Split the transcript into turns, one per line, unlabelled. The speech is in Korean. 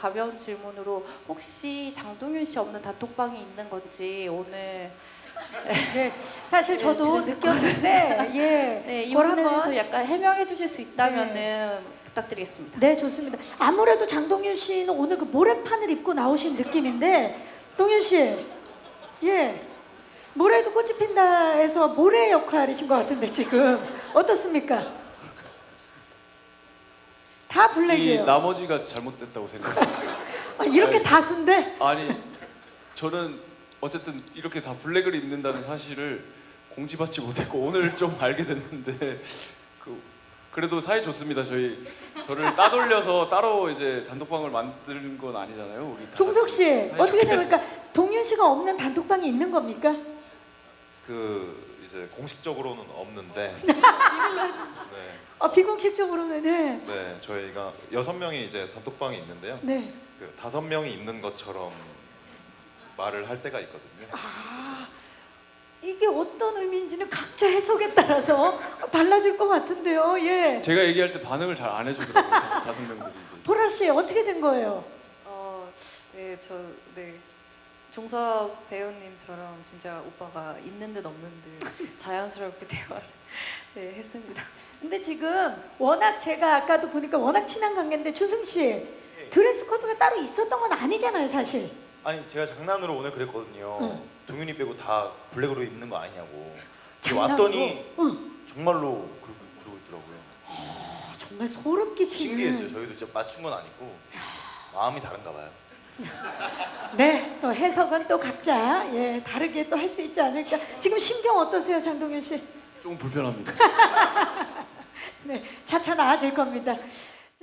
가벼운 질문으로 혹시 장동윤 씨 없는 단톡방이 있는 건지 오늘
네, 사실 저도
들을
느꼈는데 예,
네, 이
그걸
부분에서 약간 해명해 주실 수 있다면은
네.
부탁드리겠습니다.
네, 좋습니다. 아무래도 장동윤 씨는 오늘 그 모래판을 입고 나오신 느낌인데, 동윤 씨, 예, 모래도 꽃이 핀다에서 모래 역할이신 것 같은데 지금 어떻습니까? 다
이
블랙이에요.
나머지가 잘못됐다고 생각해요.
아, 이렇게
아니,
다수인데
아니 저는 어쨌든 이렇게 다 블랙을 입는다는 사실을 공지받지 못했고 오늘 좀 알게 됐는데 그래도 사이 좋습니다. 저를 따돌려서 따로 이제 단톡방을 만드는 건 아니잖아요. 우리 다
종석
같이
씨
사이좋게.
어떻게 됩니까? 동윤 씨가 없는 단톡방이 있는 겁니까?
그 이제 공식적으로는 없는데
비공식적으로는 네.
네 저희가 6명이 이제 단톡방이 있는데요.
네.
그 5명이 있는 것처럼 말을 할 때가 있거든요.
이게 어떤 의미인지는 각자 해석에 따라서 달라질 것 같은데요. 예.
제가 얘기할 때 반응을 잘 안 해주더라고요. 다섯 명들이 이제.
보라 씨 어떻게 된 거예요?
네, 네. 종석 배우님처럼 진짜 오빠가 있는 듯 없는 듯 자연스럽게 대화를 네, 했습니다.
근데 지금 워낙 제가 아까도 보니까 워낙 친한 관계인데 주승 씨 드레스 코드가 따로 있었던 건 아니잖아요, 사실.
아니 제가 장난으로 오늘 그랬거든요.
응.
동윤이 빼고 다 블랙으로 입는 거 아니냐고. 근데
장난으로?
왔더니
응.
정말로 그러고 있더라고요.
정말 소름 끼치는.
신기했어요. 저희도 진짜 맞춘 건 아니고 마음이 다른가 봐요.
네, 또 해석은 또 각자 예 다르게 또 할 수 있지 않을까. 지금 심경 어떠세요, 장동윤 씨?
좀 불편합니다.
네, 차차 나아질 겁니다.